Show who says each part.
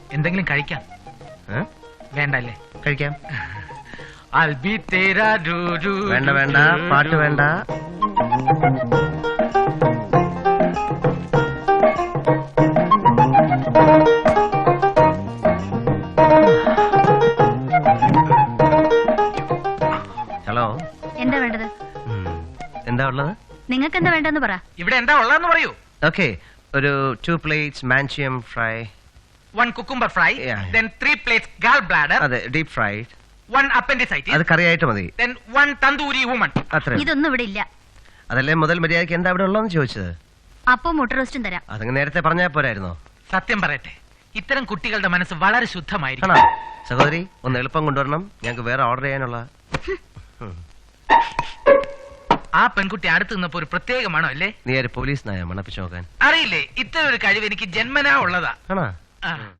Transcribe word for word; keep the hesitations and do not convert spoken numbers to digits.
Speaker 1: എന്തെങ്കിലും കഴിക്കാം. വേണ്ടല്ലേ?
Speaker 2: കഴിക്കാം.
Speaker 1: I'll be tera do do.
Speaker 2: വേണ്ട വേണ്ട, പാട്ട് വേണ്ട. ഹലോ,
Speaker 3: എന്താ വേണ്ടത്?
Speaker 2: എന്താ ഉള്ളത്?
Speaker 3: നിങ്ങൾക്ക് എന്താ വേണ്ടെന്ന് പറ.
Speaker 1: ഇവിടെ എന്താ ഉള്ളതെന്ന് പറയൂ.
Speaker 2: ഓക്കെ, ഒരു ടു പ്ലേറ്റ്സ് മാൻഷ്യം fry,
Speaker 1: one cucumber fry,
Speaker 2: Yeah.
Speaker 1: then three plates gall bladder,
Speaker 2: അതെ ഡീപ് ഫ്രൈഡ്,
Speaker 1: one appendicitis,
Speaker 2: അത് കറിയായിട്ട് മതി.
Speaker 1: then one tandoori woman.
Speaker 2: അത്ര
Speaker 3: ഇതൊന്നും ഇവിടെ ഇല്ല.
Speaker 2: അതല്ലേ മുതൽ മര്യാദയ്ക്ക് എന്താ ഇവിടെ ഉള്ളതെന്ന് ചോദിച്ചത്.
Speaker 3: അപ്പം മുട്ട റോസ്റ്റും തരാം.
Speaker 2: അതങ്ങ് നേരത്തെ പറഞ്ഞാൽ പോരായിരുന്നോ?
Speaker 1: സത്യം പറയട്ടെ, ഇത്തരം കുട്ടികളുടെ മനസ്സ് വളരെ ശുദ്ധമായിരിക്കും.
Speaker 2: ആണോ? സഹോദരി, ഒന്ന് എളുപ്പം കൊണ്ടുവരണം, ഞങ്ങൾക്ക് വേറെ ഓർഡർ ചെയ്യാനുള്ള.
Speaker 1: ആ പെൺകുട്ടി അടുത്ത് നിന്നപ്പോ ഒരു പ്രത്യേകമാണോ അല്ലേ?
Speaker 2: നീ ഒരു പോലീസ് നായ മണപ്പിച്ചു നോക്കാൻ.
Speaker 1: അറിയില്ലേ, ഇത്തരം ഒരു കഴിവ് എനിക്ക് ജന്മനാ ഉള്ളതാ.
Speaker 2: ആണോ?
Speaker 1: ആ.